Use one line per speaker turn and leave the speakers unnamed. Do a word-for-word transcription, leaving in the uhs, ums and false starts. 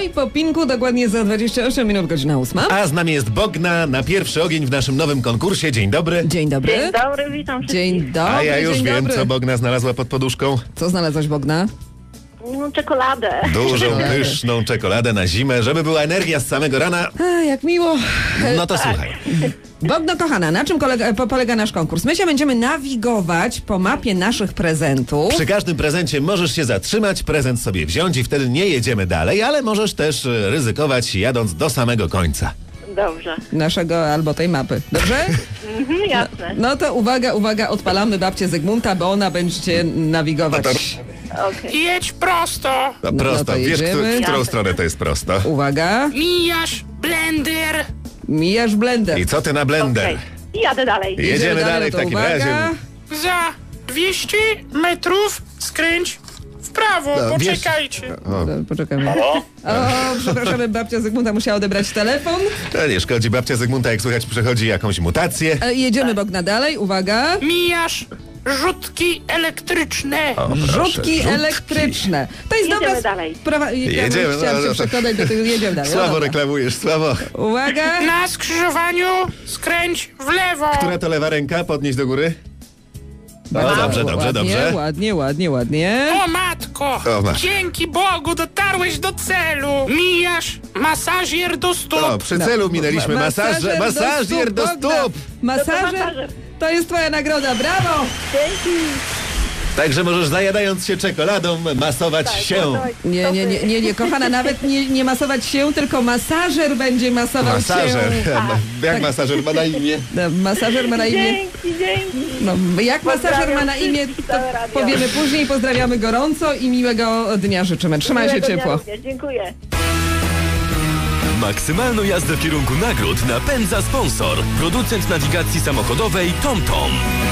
i po pinku dokładnie za dwadzieścia osiem minut, godzina ósma.
A z nami jest Bogna na pierwszy ogień w naszym nowym konkursie. Dzień dobry.
Dzień dobry.
Dzień dobry, witam wszystkich.
Dzień dobry.
A ja już
dzień
wiem,
dobry.
co Bogna znalazła pod poduszką.
Co znalazłaś, Bogna?
No, czekoladę.
Dużą, pyszną czekoladę na zimę, żeby była energia z samego rana.
A, jak miło.
No to słuchaj.
Bogno kochana, na czym kolega, po, polega nasz konkurs? My się będziemy nawigować po mapie naszych prezentów.
Przy każdym prezencie możesz się zatrzymać, prezent sobie wziąć i wtedy nie jedziemy dalej, ale możesz też e, ryzykować jadąc do samego końca.
Dobrze.
Naszego albo tej mapy. Dobrze?
Mhm, jasne.
No to uwaga, uwaga, odpalamy babcię Zygmunta, bo ona będzie cię nawigować.
Okej.
Jedź prosto.
No,
No
prosto,
to
wiesz,
jedziemy.
któ- w którą
Jasne.
stronę to jest prosto.
Uwaga,
Mijasz blender.
mijasz blender.
I co ty na blender?
Okej. I jadę dalej.
Jedziemy dalej w
to
takim
uwaga.
razie.
Za dwieście metrów skręć w prawo.
No, wiesz-
Poczekajcie.
O,
No, poczekamy. O, przepraszamy, babcia Zygmunta musiała odebrać telefon.
to nie szkodzi, babcia Zygmunta, jak słychać, przechodzi jakąś mutację.
E, Jedziemy, Bogna, dalej, uwaga.
Mijasz rzutki elektryczne.
O, proszę,
Rzutki
rzutki.
elektryczne. To jest
Jedziemy
dobra
dalej.
sprawa. Ja
Jedziemy,
Chciałam
no,
się
no, to-
przekonać do tego. Jedziemy dalej. No
Słabo
dobra.
reklamujesz, słabo.
Uwaga.
Na skrzyżowaniu skręć w lewo.
Która to lewa ręka? Podnieść do góry. No,
Bardzo
dobrze, dobrze,
ładnie,
dobrze.
Ładnie, ładnie, ładnie.
O matko!
O, masz.
Dzięki Bogu dotarłeś do celu. Mijasz masażer do stóp.
O, przy celu minęliśmy
Ma-
masażer, masażer do
Bogna.
stóp.
Masażer.
masażer.
To jest twoja nagroda, brawo!
Dzięki.
Także możesz zajadając się czekoladą masować się.
Nie, nie, nie, nie, nie, kochana, nawet nie, nie masować się, tylko masażer będzie masował
Masażer.
się.
Jak masażer ma na imię?
No, masażer ma na imię.
Dzięki, dzięki.
No, jak masażer
Pozdrawiam
ma na imię,
wszystkich,
to
całe radio.
powiemy później. Pozdrawiamy gorąco i miłego dnia życzymy. Trzymaj się
Miłego dnia
ciepło.
również. Dziękuję.
Maksymalną jazdę w kierunku nagród napędza sponsor. Producent nawigacji samochodowej TomTom.